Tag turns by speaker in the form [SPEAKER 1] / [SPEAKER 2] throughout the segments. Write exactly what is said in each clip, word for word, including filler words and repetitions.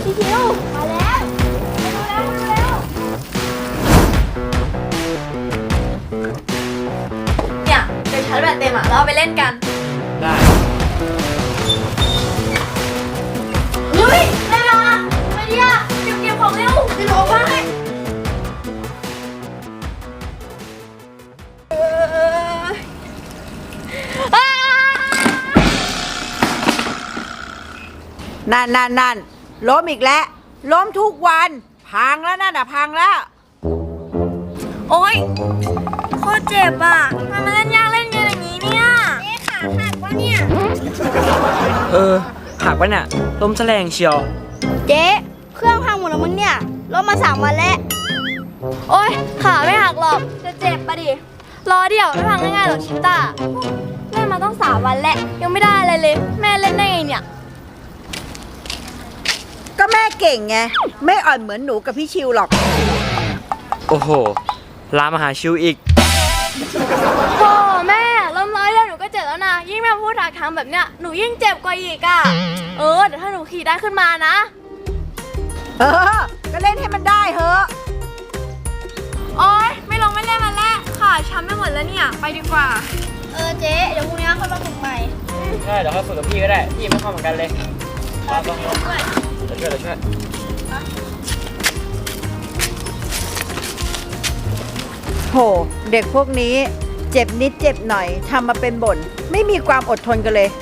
[SPEAKER 1] พี่คิวมาแล้วมาแล้วมาแล้วเนี่ยเดี๋ยวชาร์จแบตเต็มอ่ะเราเอาไปเล่นกัน
[SPEAKER 2] ได้
[SPEAKER 1] เฮ้ยได้ละมาดิอ่ะเก็บเก็บของเร็วจะหลงไป
[SPEAKER 3] นั่นนั่นนั่นล้มอีกแล้วล้มทุกวันพังแล้วนั่นอ่ะพังแล้ว
[SPEAKER 1] โอ๊ยโคตรเจ็บอ่ะมันมาเล่นยากเล่นเย็นอย่างนี้เนี่ยเอ๊ะขาหักวะเนี่ย
[SPEAKER 2] เออหักปะเนี่ยล้มแสลงเชียว
[SPEAKER 1] เจ๊เครื่องพังหมดแล้วมึงเนี่ยรถมาสามวันแล้วโอ๊ยขาไม่หักหรอกจะเจ็บปะดิรอเดี๋ยวไม่พังง่ายๆหรอกชิต้าเล่นมาต้องสามวันแล้วยังไม่ได้อะไรเลยแม่เล่นได้ไงเนี่ย
[SPEAKER 3] ก็แม่เก่งไงไม่อ่อนเหมือนหนูกับพี่ชิวหรอก
[SPEAKER 2] โอ้โหลามหาชิวอีก
[SPEAKER 1] โอ้แม่ล้มร้อยแล้วหนูก็เจ็บแล้วนะยิ่งแม่พูดถากทางแบบเนี้ยหนูยิ่งเจ็บกว่าอีกอ่ะเออเดี๋ยวถ้าหนูขี่ได้ขึ้นมานะ
[SPEAKER 3] เออก็เล่นให้มันได้เถอะ
[SPEAKER 1] โอ๊ยไม่ลงไม่เล่นมันแล้วขาช้ำไปหมดแล้วเนี่ยไปดีกว่าเออเจ๊เดี๋ยวพรุ่งนี้ค่อยมาฝึกใหม่
[SPEAKER 2] ใช่เดี๋ยวค่อยฝึกกับพี่ก็ได้พี่ไม่เข้าเหมือนกันเลยมาลองลองช่วยช่วยช่วย
[SPEAKER 3] โหเด็กพวกนี้เจ็บนิดเจ็บหน่อยทำมาเป็นบ่นไม่มีความอดทนกันเลย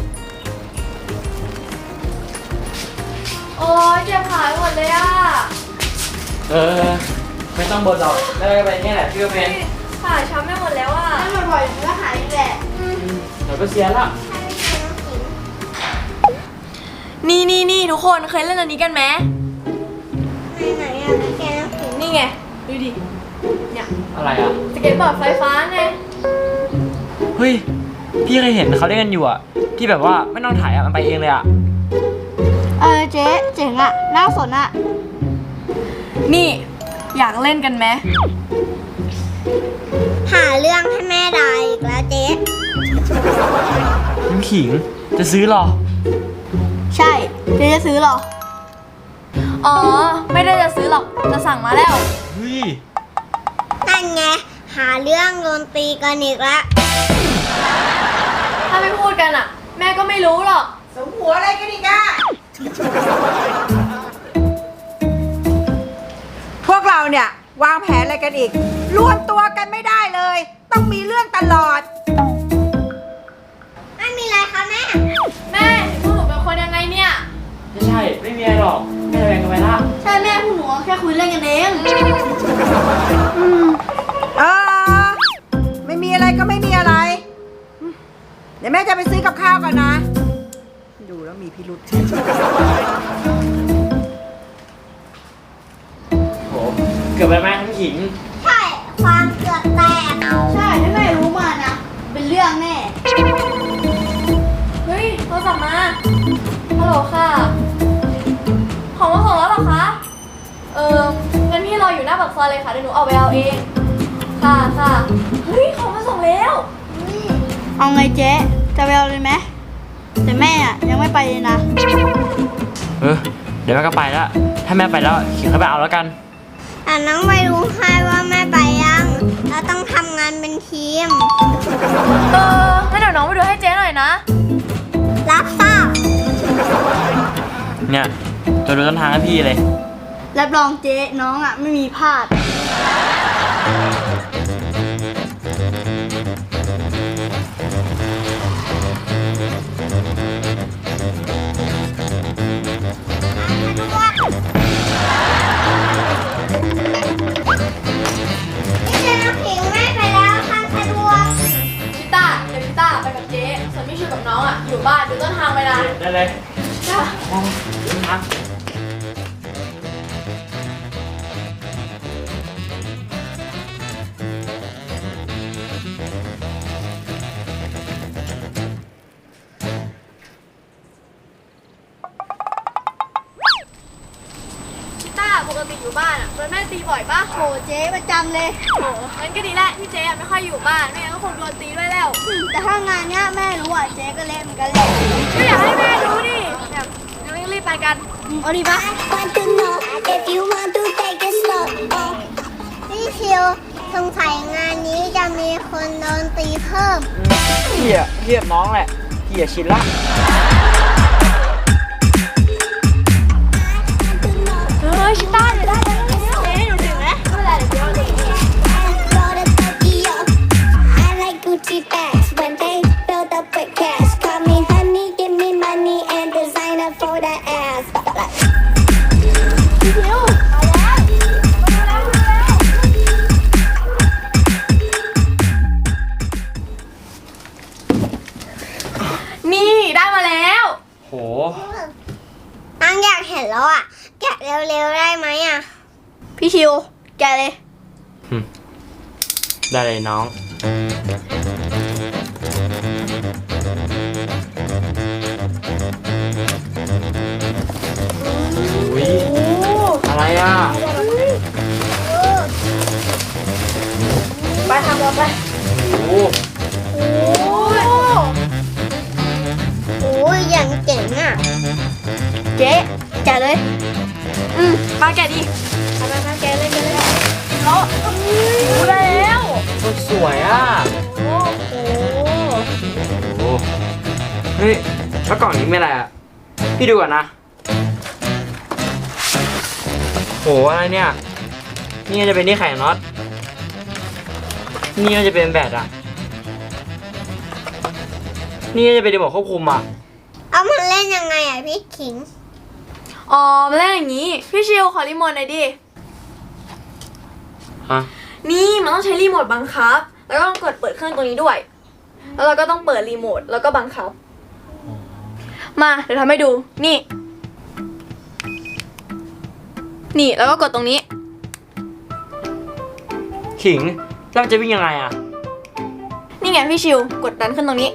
[SPEAKER 1] โอ้ยเจ็บขาหมดเลยอ่ะ
[SPEAKER 2] เออไม่ต้องบ่นหรอกได้ไปแค่แหละพี่ก็เป็น
[SPEAKER 1] ขาช้ำไปหมดแล้วอ่ะถ้าบ่อยๆมันก็หายแหละ
[SPEAKER 2] เดี๋ยวก็เสียละ
[SPEAKER 1] นี่นี่นี่ทุกคนเคยเล่นอันนี้กันไหมไหนๆอ่ะแกนี่ไงดูดิเนี่ย
[SPEAKER 2] อะไรอ่ะ
[SPEAKER 1] สเก็ตบอร์ดไฟฟ้าไง
[SPEAKER 2] เฮ้ยพี่เคยเห็นเขาเล่นกันอยู่อ่ะที่แบบว่าไม่ต้องถ่ายอ่ะมันไปเองเลยอ่ะ
[SPEAKER 1] เออเจ๊เจ๋งอ่ะน่าสนอ่ะนี่อยากเล่นกันไหมหาเรื่องให้แม่ด่าอีกแล้วเจ๊
[SPEAKER 2] น้ำขิงจะซื้อหรอ
[SPEAKER 1] ใช่เจ๊จะซื้อหรออ๋อไม่ได้จะซื้อหรอกจะสั่งมาแล้ว
[SPEAKER 2] เฮ้ย
[SPEAKER 1] นั่นไงหาเรื่องโดนตีกันอีกแล้วถ้าไม่พูดกันอ่ะแม่ก็ไม่รู้หรอก
[SPEAKER 3] สมหัวอะไรกันอีกอะพวกเราเนี่ยวางแผนอะไรกันอีกรวมตัวกันไม่ได้เลยต้องมีเรื่องตลอด
[SPEAKER 1] ไม่มีอะไรคะแม่แม่พวกหนูเป็นคนยังไงเนี่ย
[SPEAKER 2] ไม่ใช่ไม่มีอะไรหรอกแม่แบ่งกันไปละ
[SPEAKER 1] ใช่แม่พวกหนูแค่คุยเล่นกันเอง
[SPEAKER 3] เออไม่มีอะไรก็ไม่มีอะไรเดี๋ยวแม่จะไปซื้อกับข้าวก่อนนะดูแล้วมีพิรุธ
[SPEAKER 2] โหเกือบไปไหมน้ำขิง
[SPEAKER 1] ใช่ความเกือบแตกใช่ถ้าแม่รู้มานะเป็นเรื่องแน่เฮ้ยโทรศัพท์มาฮัลโหลค่ะของมาส่งแล้วหรอคะเอองั้นพี่รออยู่หน้าปากซอยเลยค่ะเดี๋ยวหนูเอาไปเอาเองค่ะค่ะเฮ้ยของมาส่งแล้วเอาไงเจ๊จะไปเอาเลยไหมแต่แม่อะยังไม่ไปเลยนะ
[SPEAKER 2] เออเดี๋ยวแม่ก็ไปแล้วถ้าแม่ไปแล้วขิงเข้าไปเอาแล้วกัน
[SPEAKER 1] แต่น้องไปรู้ใครว่าแม่ไปยังเราต้องทำงานเป็นทีมเอองั้นเดี๋ยวน้องไปดูให้เจ๊หน่อยนะรับทราบ
[SPEAKER 2] เนี่ยจะดูต้นทางให้พี่เลย
[SPEAKER 1] รับรองเจ๊น้องอ่ะไม่มีพลาดน้องอ่ะอยู่บ้านดูต้นทางไปนะ
[SPEAKER 2] ได้เลย
[SPEAKER 1] จ้า
[SPEAKER 2] ครับ
[SPEAKER 1] ปกติอยู่บ้านอ่ะโดนแม่ตีบ่อยปะโหเจ๊ประจำเลยโหงั้นก็ดีแหละที่เจ๊ไม่ค่อยอยู่บ้านไม่งั้นก็คงโดนตีด้วยแล้วแต่ถ้างานเนี้ยแม่รู้อ่ะเจ๊ก็เละเหมือนกันแหละไม่อยากให้แม่รู้ดิแบบงั้นรีบไปกันเอาดีปะ
[SPEAKER 4] Want to know if you want to take it slow พี่ชิวสงสัยงานนี้จะมีคนโดนตีเพิ่ม
[SPEAKER 2] พี่อะพี่กับน้องแหละพี่อะชินละ
[SPEAKER 1] เฮ้ยชิต้าเดี๋ยวได้เดี๋ยวได้เดี๋ยวหนูถึงแล้วไม่เป็นไรเดี๋ยวเดี๋ยว
[SPEAKER 4] Go to Tokyo I like Gucci bags when they build up with cash Call me honey, give me money and designer for the ass
[SPEAKER 1] พี่ชิวมาแล้วมาแล้วมาแล้วนี่ได้มาแล้ว
[SPEAKER 2] โห
[SPEAKER 4] น้องอยากเห็นแล้วอ่ะ แกะเร็วๆได้ไหมอ่ะ
[SPEAKER 1] พี่ชิวแกะเลย
[SPEAKER 2] ได้เลยน้องอุ้ยอะไรอ่ะ
[SPEAKER 1] ไปทำเราไป
[SPEAKER 2] โอ้
[SPEAKER 1] โอ้ย
[SPEAKER 4] โอ้ยอย่างเจ๋งอ่ะ
[SPEAKER 1] เจ๊แกะเลย อืมมาแกะดิมามามาแกะเลยแกะเลยเขารู้ได้แล้ว
[SPEAKER 2] คนสวยอ่ะ
[SPEAKER 1] โอ้โห
[SPEAKER 2] โอ้เฮ้ยแล้วกล่องนี้ไม่อะไรอ่ะพี่ดูก่อนนะโหอะไรเนี่ยนี่จะเป็นที่ไข่น็อตนี่จะเป็นแบตอ่ะนี่จะเป็นรีโมทควบคุมอ่ะ
[SPEAKER 4] เอามันเล่นยังไงอ่ะพี่ขิง
[SPEAKER 1] อ๋อมาเล่นอย่างนี้ พี่ชิวขอรีโมทหน่อยดิ
[SPEAKER 2] ฮะ
[SPEAKER 1] นี่มันต้องใช้รีโมทบังคับ แล้วก็ต้องกดเปิดเครื่องตัวนี้ด้วย แล้วเราก็ต้องเปิดรีโมทแล้วก็บังคับ มาเดี๋ยวทำให้ดู นี่ นี่แล้วก็กดตรงนี้
[SPEAKER 2] ขิงแล้วมันจะวิ่งยังไงอ่ะ
[SPEAKER 1] นี่ไงพี่ชิวกดดันขึ้นตรงนี้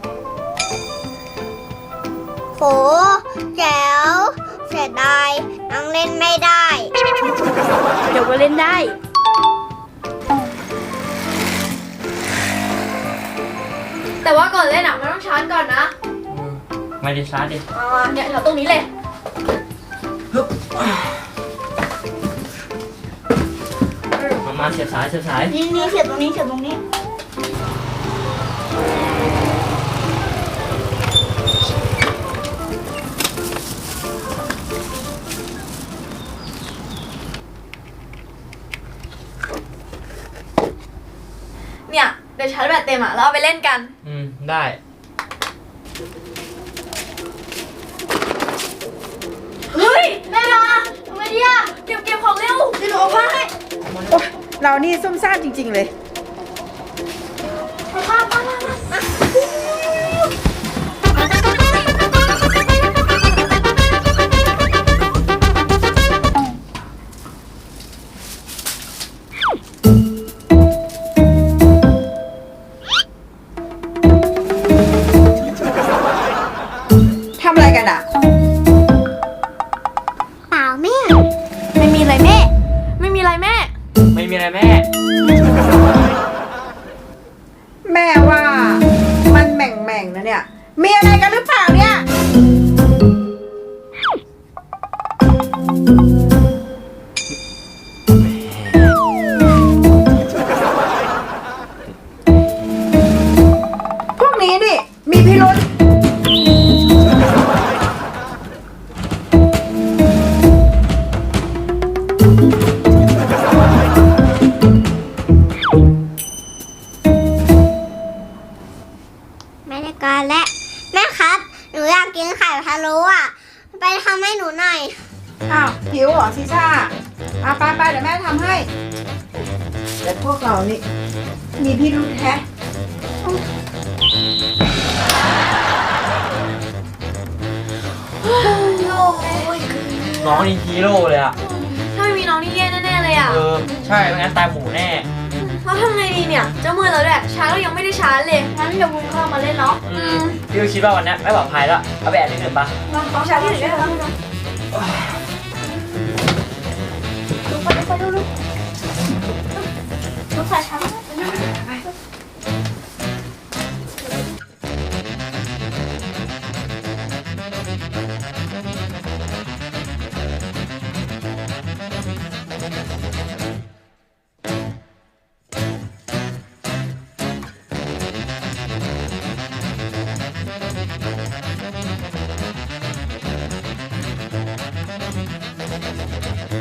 [SPEAKER 4] โหแจ๋วเสียดายน้องเล่นไม่ได้
[SPEAKER 1] เดี๋ยวก็เล่นได้ แต่ว่าก่อนเล่นอ่ะมันต้องชาร์จก่อนนะ
[SPEAKER 2] ไม่ได้ชาร์จดิ
[SPEAKER 1] มามาเนี่ยแถวตรงนี้เลย
[SPEAKER 2] มามาเสียบสายเสียบสาย
[SPEAKER 1] นี่นี่เสียบตรงนี้เสียบตรงนี้ เนี่ยเดี๋ยวชาร์จแบตเต็มอ่ะแล้วเอาไปเล่นกัน
[SPEAKER 2] อืมได้
[SPEAKER 1] เฮ้ยแม่มาทำไมดีอ่ะเก็บเก็บของเร็วเดี๋ยวหนูเอาผ้าให้
[SPEAKER 3] โอ๊ยเรานี่ซุ่มซ่ามจริง ๆ เลย
[SPEAKER 1] เอาผ้าผ้าผ้ามา
[SPEAKER 3] ทำอะไรกันอ่ะ
[SPEAKER 4] เปล่าแม่
[SPEAKER 1] ไม่มีอะไรแม่ ไม่มีอะไรแม่
[SPEAKER 2] ไม่มีอะไรแม่
[SPEAKER 3] แม่ว่ามันแหม่งๆนะเนี่ย มีอะไรกันหรือเปล่าเนี่ย พวกนี้นี่มีพิรุษ
[SPEAKER 4] ไม่ได้การและแม่ครับ หนูอยากกินไข่พะโล้อ่ะ ไปทำให้หนูหน่อย
[SPEAKER 3] อ้าวหิวเหรอซิซ่าอ่ะไปไปๆเดี๋ยวแม่ทำให้ แต่พวกเรานี่มีพิรุษแฮะ
[SPEAKER 1] โล่งเลย
[SPEAKER 2] น้องนี่ฮีโร่เลยอ่ะ
[SPEAKER 1] ถ้าไม่มีน้องนี่แย่แน่ๆเลยอ่ะ
[SPEAKER 2] เออ ใช่ไม่งั้นตายหมูแน่
[SPEAKER 1] เราทำไงดีเนี่ย เจ้ามือเราด้วยชาร์จก็ยังไม่ได้ชาร์จเลยงั้นเดี๋ยวบุ้งเข้ามาเล่นเนาะ
[SPEAKER 2] อืมพี่ก็คิดว่าวันนี้ไม่ปลอดภัยแล้ว เอาไปแอบนิดหนึ่งปะ
[SPEAKER 1] ลองชาร์จที่ไหนได้บ้าง